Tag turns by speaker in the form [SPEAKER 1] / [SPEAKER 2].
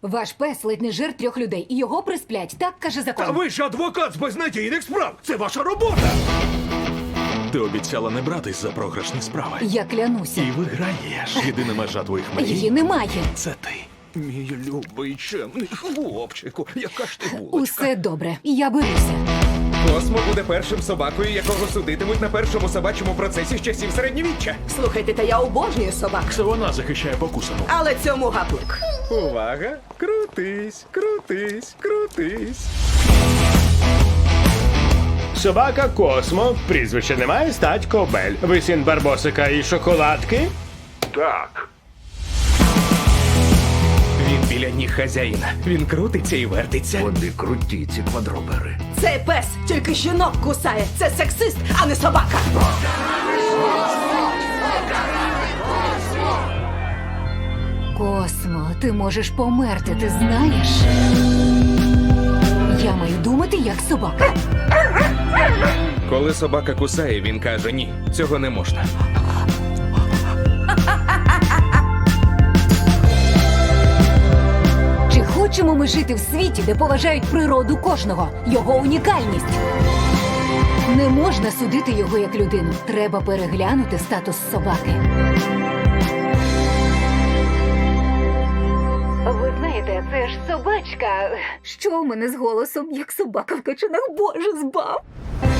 [SPEAKER 1] Ваш пес ледь не жир 3 людей, і його присплять. Так каже закон.
[SPEAKER 2] Та ви ж адвокат з безнадійних справ! Це ваша робота!
[SPEAKER 3] Ти обіцяла не братись за програшні справи.
[SPEAKER 1] Я клянуся.
[SPEAKER 3] І виграєш. Єдина межа твоїх мрій
[SPEAKER 1] Її немає.
[SPEAKER 3] – це ти.
[SPEAKER 2] Мій любий чемний хлопчику, яка ж ти булочка.
[SPEAKER 1] Усе добре. Я беруся.
[SPEAKER 4] Космо буде першим собакою, якого судитимуть на першому собачому процесі з часів середньовіччя.
[SPEAKER 5] Слухайте, та я обожнюю собак.
[SPEAKER 3] Це вона захищає покусану.
[SPEAKER 5] Але цьому гаплик.
[SPEAKER 4] Увага! Крутись, крутись, крутись.
[SPEAKER 6] Собака Космо, прізвище немає, стать Кобель. Ви син Барбосика і шоколадки?
[SPEAKER 2] Так.
[SPEAKER 4] Він біля ніг хазяїна. Він крутиться і вертиться.
[SPEAKER 2] Вони круті, ці квадробери.
[SPEAKER 5] Цей пес тільки жінок кусає. Це сексист, а не собака.
[SPEAKER 1] Космо, ти можеш померти, ти знаєш? Я маю думати, як собака.
[SPEAKER 4] Коли собака кусає, він каже: ні, цього не можна.
[SPEAKER 1] Чи хочемо ми жити в світі, де поважають природу кожного, його унікальність? Не можна судити його як людину. Треба переглянути статус собаки. Ви знаєте, це ж собачка. Що у мене з голосом, як собака в качанах? Боже, збав!